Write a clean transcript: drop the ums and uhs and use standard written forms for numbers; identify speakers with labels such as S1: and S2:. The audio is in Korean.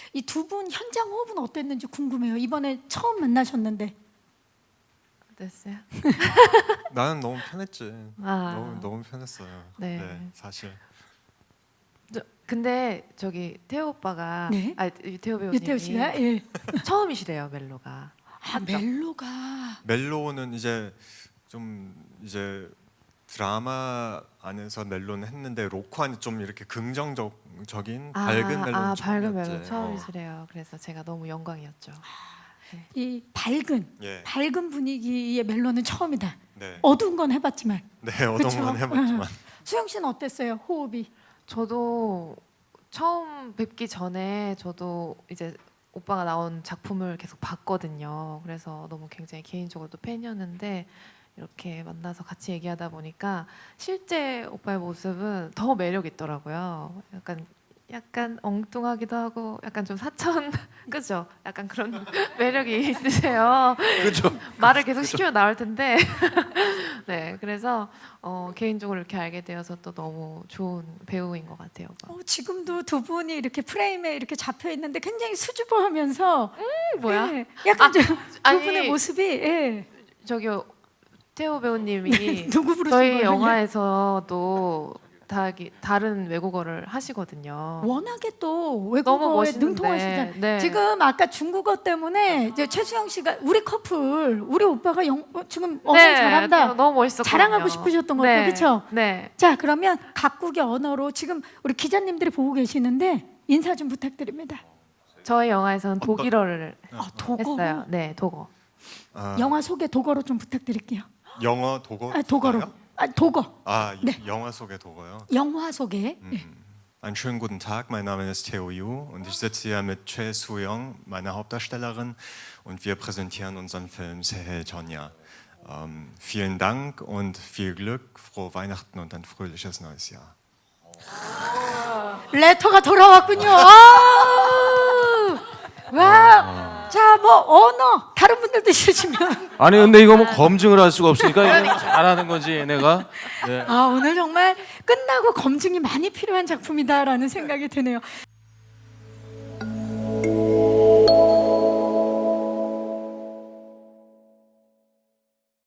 S1: 이 두 분 현장 호흡은 어땠는지 궁금해요. 이번에 처음 만나셨는데.
S2: 어땠어요?
S3: 나는 너무 편했지.
S2: 아.
S3: 너무 편했어요.
S2: 네.
S3: 네, 사실.
S2: 근데 저기 태호 오빠가
S1: 네?
S2: 유태호 배우님이
S1: 유태우 씨가 예.
S2: 처음이시래요 멜로가.
S1: 아, 멜로가
S3: 멜로는 이제 좀 이제 드라마 안에서 멜로는 했는데 로코는 좀 이렇게 긍정적인 밝은 멜로
S2: 밝은 멜로 처음이시래요. 그래서 제가 너무 영광이었죠.
S1: 이 밝은
S3: 예.
S1: 밝은 분위기의 멜로는 처음이다.
S3: 네.
S1: 어두운 건 해봤지만.
S3: 네, 어떤
S1: 그쵸?
S3: 건 해봤지만.
S1: 수영 씨는 어땠어요? 호흡이?
S2: 저도 처음 뵙기 전에 저도 이제 오빠가 나온 작품을 계속 봤거든요. 그래서 너무 굉장히 개인적으로도 팬이었는데 이렇게 만나서 같이 얘기하다 보니까 실제 오빠의 모습은 더 매력 있더라고요. 약간 엉뚱하기도 하고 약간 좀 사천 그죠? 약간 그런 매력이 있으세요.
S3: 그렇죠.
S2: 말을 계속 시키면 나올 텐데 네 그래서 개인적으로 이렇게 알게 되어서 또 너무 좋은 배우인 것 같아요.
S1: 지금도 두 분이 이렇게 프레임에 이렇게 잡혀 있는데 굉장히 수줍어하면서
S2: 뭐야?
S1: 예, 약간 두
S2: 아니,
S1: 분의 모습이 예.
S2: 저기 태호 배우님이
S1: 누구 부르신
S2: 저희
S1: 거예요?
S2: 영화에서도 다른 외국어를 하시거든요.
S1: 워낙에 또
S2: 너무
S1: 외국어에
S2: 멋있는데.
S1: 능통하시잖아요.
S2: 네.
S1: 지금 아까 중국어 때문에 이제 최수영 씨가 우리 커플, 우리 오빠가 지금 엄청
S2: 네,
S1: 잘한다.
S2: 너무 멋있었거든요.
S1: 자랑하고 싶으셨던 것 같아요. 그렇죠?
S2: 네.
S1: 자, 그러면 각국의 언어로 지금 우리 기자님들이 보고 계시는데 인사 좀 부탁드립니다.
S2: 저희 영화에서는 독일어를
S1: 독어.
S2: 했어요. 네, 독어.
S1: 영화 소개 독어로 좀 부탁드릴게요.
S3: 영어 독어.
S1: 독어로. 독어. 네.
S3: 영화 속의 독어요.
S1: 영화 소개.
S3: Einen schönen guten Tag, mein Name ist Theo Yu und ich sitze hier mit Choi Soo-young, meiner Hauptdarstellerin, und wir präsentieren unseren Film Sehel Jonya. Vielen Dank und viel Glück, frohe Weihnachten und ein fröhliches neues Jahr.
S1: 레터가 돌아왔군요. 와. 자, 뭐 언어 다른 분들도 있으시면.
S4: 아니 근데 이거 뭐 검증을 할 수가 없으니까 이거 잘하는 건지 얘네가. 네.
S1: 오늘 정말 끝나고 검증이 많이 필요한 작품이다라는 생각이 드네요.